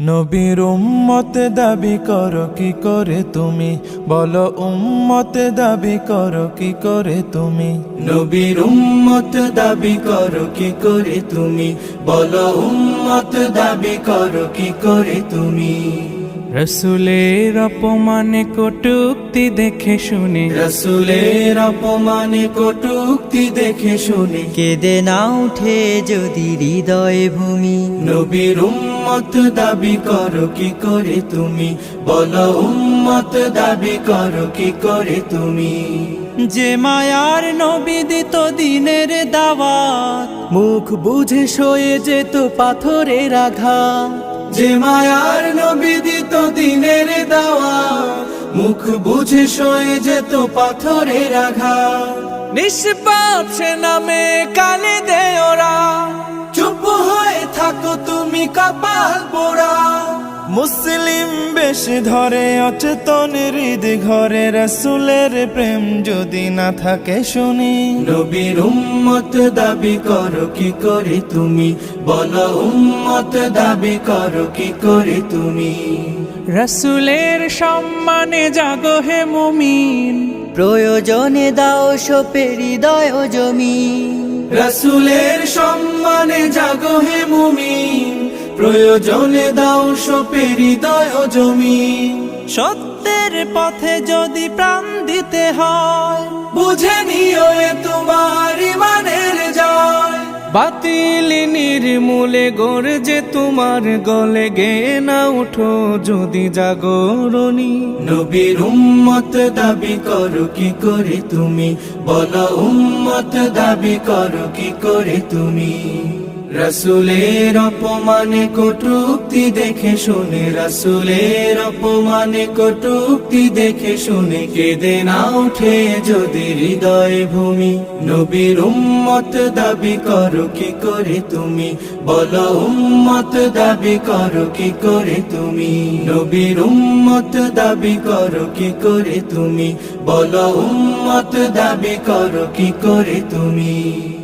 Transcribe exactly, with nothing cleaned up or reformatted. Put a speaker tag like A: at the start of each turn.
A: নবীর উম্মত দাবি করো কি করে তুমি, বলো উম্মত দাবি করো কি করে তুমি।
B: নবীর উম্মত দাবি করো কি করে তুমি, বলো উম্মত দাবি করো কি করে তুমি।
A: রসুলের অপমানে কটূক্তি দেখে শুনে,
B: রসুলের অপমানে কটূক্তি দেখে শুনে
C: কেঁদে না উঠে যদি হৃদয় ভূমি।
B: নবীর উম্মত দাবি করো কি করে তুমি, বলো উম্মত দাবি করো কি করে তুমি।
C: যে মায়ার নবী দিত দিনের দাওয়াত, মুখ বুঝে সয়ে যেত পাথরের আঘাত।
B: যে মায়ার নবী দিত দিনের দাওয়াত, মুখ বুঝে সয়ে যেত পাথরের আঘাত।
C: নিষ্পাপ সে নামে কালে দে ওরা,
B: চুপ হয়ে থাকো তুমি কপাল পোড়া।
A: মুসলিম বেশ ধরে অচেতন হৃদ ঘরে, রসুলের প্রেম যদি না থাকে শুনি।
B: নবীর উম্মত দাবি করো কি করে তুমি, বলো উম্মত দাবি করো কি করে তুমি।
C: রসুলের সম্মানে জাগো হে মুমিন, প্রয়োজনে দাও সোপে হৃদয় জমিন।
B: রসুলের সম্মানে জাগো হে মুমিন, প্রয়োজনে দাও সোপে হৃদয় জমিন।
C: সত্যের পথে যদি প্রাণ দিতে হয়,
B: বুঝে নিও এ তোমার ইমানের জয়।
C: বাতিল নির্মূলে গর্জে তোমার গলে গে না উঠো যদি জাগরণী।
B: নবীর উম্মত দাবি করো কি করে তুমি, বলো উম্মত দাবি করো কি করে তুমি। রসুলের অপমানে কটূক্তি দেখে শুনে, রসুলের অপমানে কটূক্তি দেখে শুনে কেঁদে না উঠে যদি হৃদয় ভূমি। নবীর উম্মত দাবি করো কি করে তুমি, বলো উম্মত দাবি করো কি করে তুমি। নবীর উম্মত দাবি করো কি করে তুমি, বলো উম্মত দাবি করো কি করে তুমি।